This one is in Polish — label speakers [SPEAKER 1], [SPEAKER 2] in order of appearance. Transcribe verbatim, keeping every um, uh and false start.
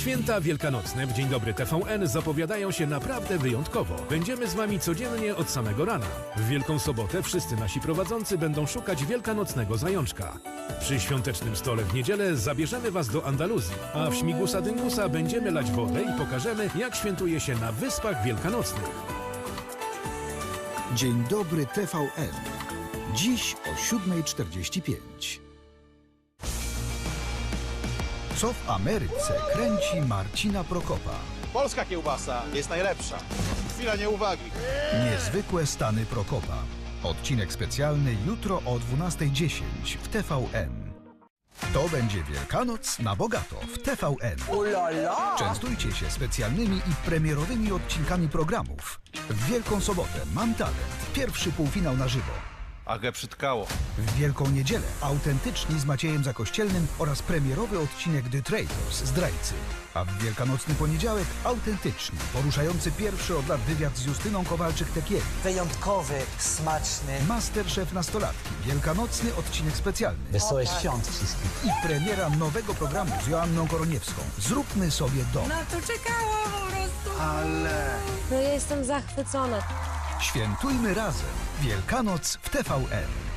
[SPEAKER 1] Święta wielkanocne w Dzień Dobry T V N zapowiadają się naprawdę wyjątkowo. Będziemy z Wami codziennie od samego rana. W Wielką Sobotę wszyscy nasi prowadzący będą szukać wielkanocnego zajączka. Przy świątecznym stole w niedzielę zabierzemy Was do Andaluzji, a w Śmigusa Dyngusa będziemy lać wodę i pokażemy, jak świętuje się na Wyspach Wielkanocnych.
[SPEAKER 2] Dzień Dobry T V N. Dziś o siódma czterdzieści pięć. Co w Ameryce kręci Marcina Prokopa?
[SPEAKER 3] Polska kiełbasa jest najlepsza. Chwila nieuwagi.
[SPEAKER 2] Niezwykłe stany Prokopa. Odcinek specjalny jutro o dwunasta dziesięć w T V N. To będzie Wielkanoc na bogato w T V N. Częstujcie się specjalnymi i premierowymi odcinkami programów. W Wielką Sobotę Mam Talent. Pierwszy półfinał na żywo.
[SPEAKER 3] A ge przytkało.
[SPEAKER 2] W Wielką Niedzielę Autentyczni z Maciejem Zakościelnym oraz premierowy odcinek The Traitors, Zdrajcy. A w Wielkanocny poniedziałek Autentyczni, poruszający pierwszy od lat wywiad z Justyną Kowalczyk-Tekiewicz.
[SPEAKER 4] Wyjątkowy, smaczny.
[SPEAKER 2] Masterchef Nastolatki, wielkanocny odcinek specjalny.
[SPEAKER 4] Wesołe świąt wszystkim.
[SPEAKER 2] I premiera nowego programu z Joanną Koroniewską. Zróbmy sobie dom.
[SPEAKER 5] Na to czekałam po prostu.
[SPEAKER 3] Ale...
[SPEAKER 5] No ja jestem zachwycona.
[SPEAKER 2] Świętujmy razem. Wielkanoc w T V N.